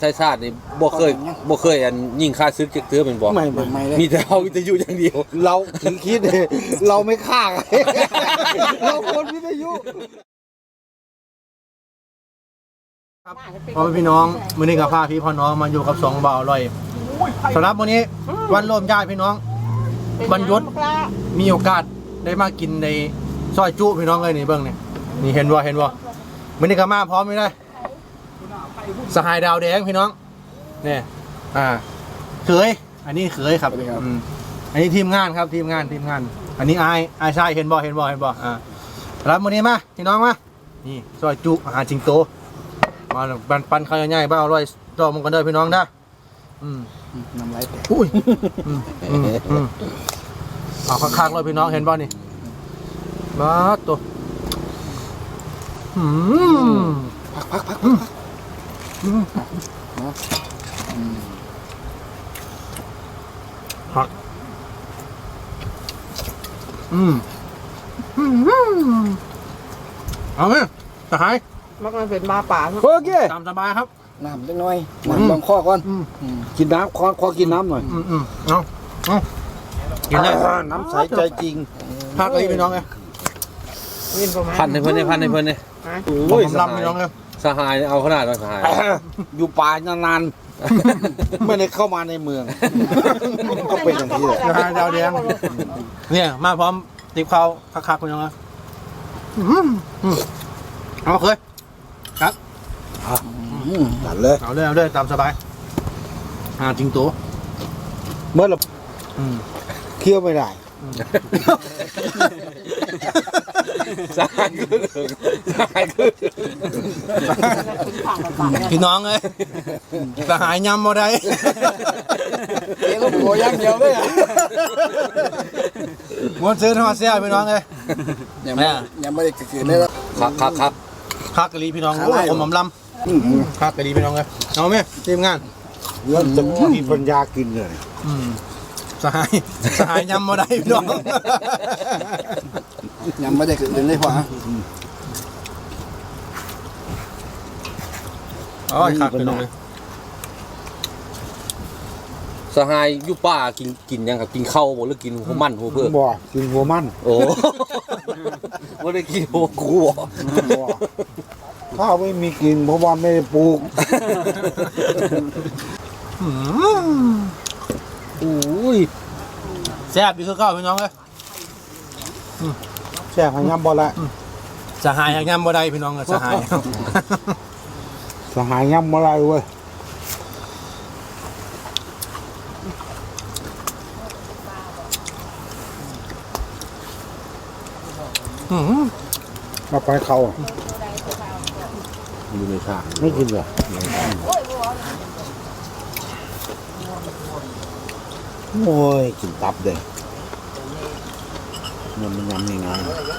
ไทยชาตินี่บ่เคยอันยิงค่าซึกจักเทื่อเป็นบ่ไม่เลยมีแต่เอาวิทยุอย่างเดียวเราถึงคิดเลยเราไม่ฆ่าเราคนวิทยุครับพ่อพี่น้องมื้อนี้กับพาพี่พ่อน้องมาอยู่กับ2บ่าวอร่อยสำหรับมื้อนี้วันรวมญาติพี่น้องวันหยุดมีโอกาสได้มากินในซอยจุพี่น้องเลยนี่เบิ่งนี่เห็นบ่มื้อนี้ก็มาพร้อมไม่ได้สหายดาวแดงพี่น้องนี่เขยอันนี้เขยครับอันนี้ทีมงานครับทีมงานอันนี้อายชายเห็นบ่รับมื้อนี้มาพี่น้องมานี่ซอยจุอาหารจิงโตมาปันข้าวใหญ่ๆบ้าอร่อยต่อมึงกันเด้อพี่น้องนะน้ำลายแตกอุ้ยเอาคักๆเลยพี่น้องเห็นบ่นี่มาตัวพักเอาไหมสหายมักมันเป็นมาป่าโอเคตามสบายครับน้ำเล็กน้อยน้ำบางข้อก่อนกินน้ำขอกินน้ำหน่อยเอากินได้น้ำใสใจจริงพักเลยพี่น้องเลยพันให้เพิ่นนี่โอ้ยลำพี่น้องเลยสหายเอาขนาดว่าสหายอยู่ป่านานๆไม่ได้เข้ามาในเมืองก็เป็นอย่างนี้แหละดาวแดงเนี่ยมาพร้อมติบข้าวคักๆพี่น้องเลยเอาเคยครับตัดเลยเอาเลยตามสบายจริงตัวเมื่อเราเคี่ยวไม่ได้สหายพี่น้องเลยสหายยำมาได้เดี๋ยวต้องโผล่ย่างเดียวเลยม้วนซื้อทอดเสี้ยพี่น้องเลยยังไม่ได้เกิดเลยครับกะลีพี่น้องผมลำคักกะลีพี่น้องเลยเอาไหมทีมงานแล้วจะมีปัญญากินเลยสหายยำมาได้พี่น้องยังไม่ได้เกิดเลยพ่ออ๋อคักพี่น้องเลยสหายอยู่ป่ากินยังครับกินข้าวบ่หรือกินหัวมันหัวเพื่อบ่กินหัวมันโอ้บ่ได้กินหัวกูบ่ข้าวไม่มีกินเพราะว่าไม่ได้ปลูกอุ้ยแซ่บดีคือข้าวพี่น้องเลยแซ่บหางยำบ่ละสหายหางยำบ่ได้พี่น้องสหายยำบ่ละเว้ยมาไปเขาอยู่ในชาไม่กินเหรอโอ้ยกินตับเลยมันยำยังไง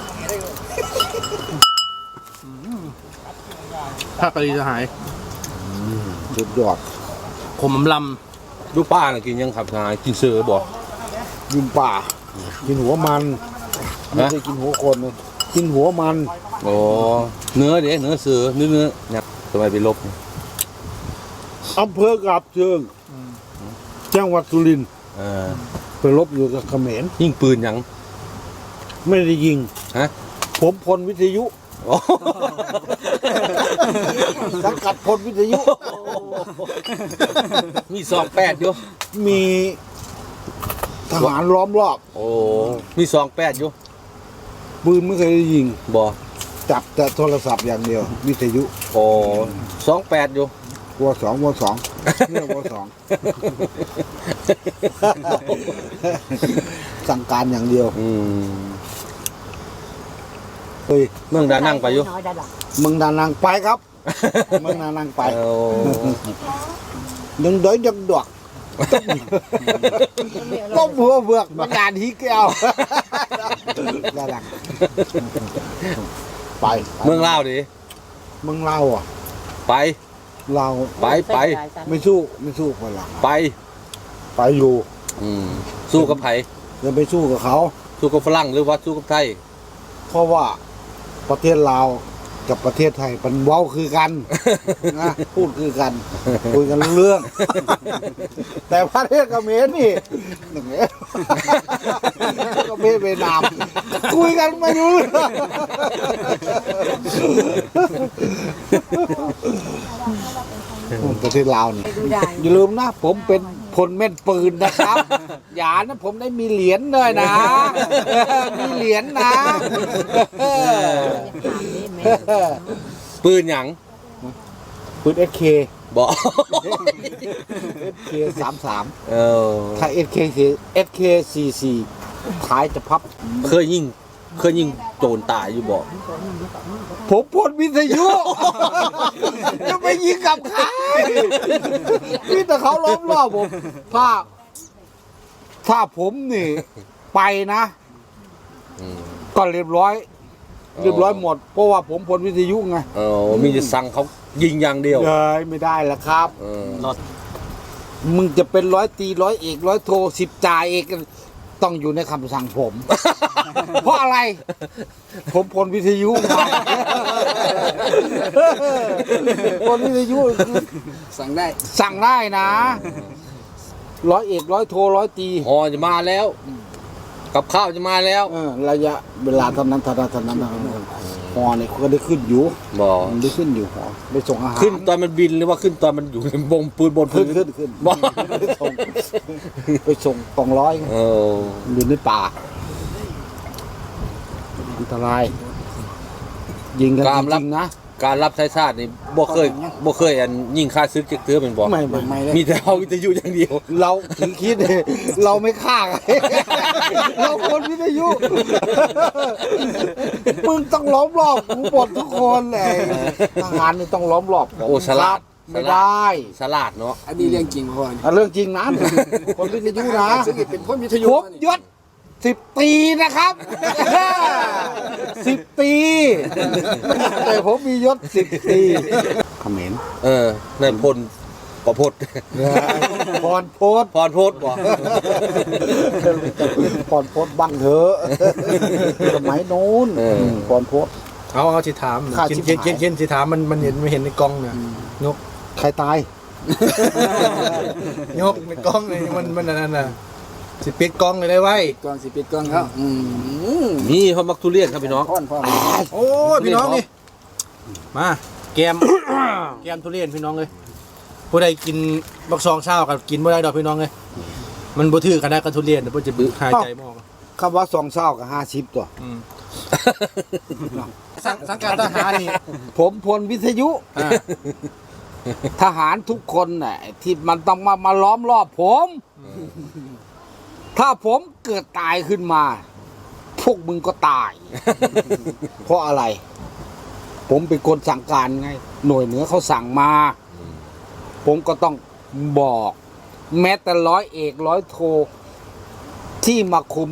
ถ้ากะลีสหายสุดยอดผมลดูป้าน่ะกินยังครับสหายกินเสือบ่ยิงป่ากินหัวมันไม่ได้กินหัวคนเลยกินหัวมันโอ้เนื้อเสือเนื้อเนี่ยทำไมไปลบอำเภอกาบเชิงจังหวัดสุรินทร์ไปลบอยู่กับเขมรยิงปืนยังไม่ได้ยิงผมพลวิทยุสังกัดพลวิทยุมี28อยู่มีทหารล้อมรอบโอ้มี28อยู่ปืนไม่เคยได้ยิงบ่จับแต่โทรศัพท์อย่างเดียววิทยุโอ้28อยู่วัวสองเนี่ยวัวสองสั่งการอย่างเดียวเฮ้ยเมืองดานังไปอยู่เมืองดานังไปครับเมืองดานังไปดึงดอกต้มหัวเบือกมันงานที่แก้วดานังไปเมืองลาวดิเมืองลาวอ่ะไปเราไปไม่สู้คนหลังไปอยู่สู้กับไผจะไปสู้กับเขาสู้กับฝรั่งหรือว่าสู้กับไทยเพราะว่าประเทศลาวกับประเทศไทยมันเว้าคือกันนะพูดคือกันคุยกันรู้เรื่อง แต่ประเทศเขมรนี่หนึ่งเขมรเวียดนามคุยกันไม่รู้เรื่องประเทศลาวนี่อย่าลืมนะผมเป็นพลแม่นปืนนะครับ อย่านะผมได้มีเหรียญเลยนะ มีเหรียญนะปืนหยังปืน SK บอก SK 33 เออถ้า SK 44ท้ายจะพับเคยยิงโจรตายอยู่บอกผมพลวิทยุ จะไปยิงกับใครพี่แต่เขาล้อมรอบผมถ้าผมนี่ไปนะ ก็เรียบร้อยหมด เพราะว่าผมพลวิทยุไงเออมีจะสั่งเขายิงอย่างเดียวเลยไม่ได้ละครับเออมึงจะเป็นร้อยตีร้อยเอกร้อยโท10 จ่าเอกต้องอยู่ในคำสั่งผม เพราะอะไร ผมพลวิทยุมา พลวิทยุสั่งได้นะร้อยเอกร้อยโทร้อยตีอ๋อจะมาแล้ว กับข้าวจะมาแล้วระยะเวลาเท่านั้นหอเนี่ยก็ได้ขึ้นอยู่บอกมันได้ขึ้นอยู่หอได้ส่งอาหารขึ้นตอนมันบินหรือว่าขึ้นตอนมันอยู่ในบงปืนบนพื้ขึ้นนบอกไปส่งกองร้อยเอออยู่ในป่าอันตราย ยิงกันจริงๆนะการรับใช้ชาตินี่บ่เคยอันยิงค่าซึกเจ๊กเตือเป็นบอกไม่มีแต่เอาวิทยุอย่างเดียวเราถึงคิดเลยเราไม่ฆ่าใคร เราคนวิทยุ มึงต้องล้อมรอบกูหมดทุกคนเลยทหารนี่ต้องล้อมรอบโอ้ฉลาดไม่ได้ฉลาดเนาะอันนี้เรื่องจริงพ่อเรื่องจริงนะคนวิทยุนะซึ่งเป็นคนวิทยุผมยศ10 ปีนะครับ 10 ปี แต่ผมมียศ10 ปีเขมรเออในพลประพดพรโพสพรโพดบอกพรโพสบังเถอะสมัยโน้นพรโพสเอาสิถามข้าชิบหายเขียนสิถามมันเห็นในกล้องเนี่ยยกใครตายยกในกล้องเลยมันนั่นน่ะสิปิดกล้องเลยได้ไว้กองสิปิดกองเขานี่เขามักทุเรียนครับพี่น้องพ่อโอ้ยพี่น้องนี่มาแกม แกมทุเรียนพี่น้องเลยผู้ใดกินบักซองเช้ากับกินบ่ได้ดอกพี่น้องเลยมันบ่ถือกันได้กับทุเรียนเดี๋ยวบ่จะบึกหายใจบ่ออกคำว่า2 เศร้ากับ50 ตัวสังกัดทหารนี่ผมพลวิทยุ ทหารทุกคนน่ะที่มันต้องมาล้อมรอบผม ถ้าผมเกิดตายขึ้นมา พวกมึงก็ตาย เพราะอะไร ผมเป็นคนสั่งการไง หน่วยเหนือเขาสั่งมา ผมก็ต้องบอก แม้แต่ร้อยเอกร้อยโท ที่มาคุม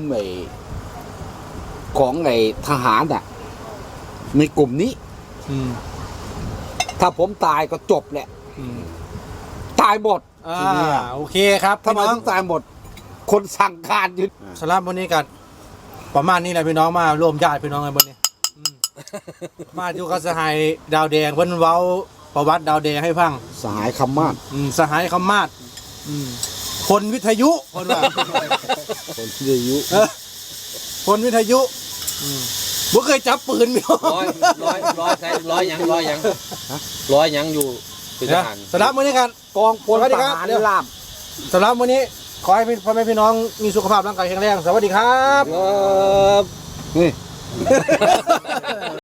ของทหารอ่ะ ในกลุ่มนี้ ถ้าผมตายก็จบแหละ ตายหมดโอเคครับทำไมพี่น้อต้อง งตายหมด คนสั่งการยึดสำหรับวันนี้กันประมาณนี้แหละพี่น้องมาร่วมญาติพี่น้องกันบนนี้มาอยู่กับสหายดาวแดงเพิ่นเว้าประวัติดาวแดงให้ฟังสหายคำมากสหายคำมาศคนวิทยุคนว่าคนที่อายุคนวิทยุบ่เคยจับปืนพี่น้องร้อยหยังอยู่เป็นทหารสำหรับวันนี้กันกองพลสวัสดีทครับหารเดี๋ยวลาบสำหรับวันนี้ขอให้พ่อแม่พี่น้องมีสุขภาพร่างกายแข็งแรงสวัสดีครับครับนี่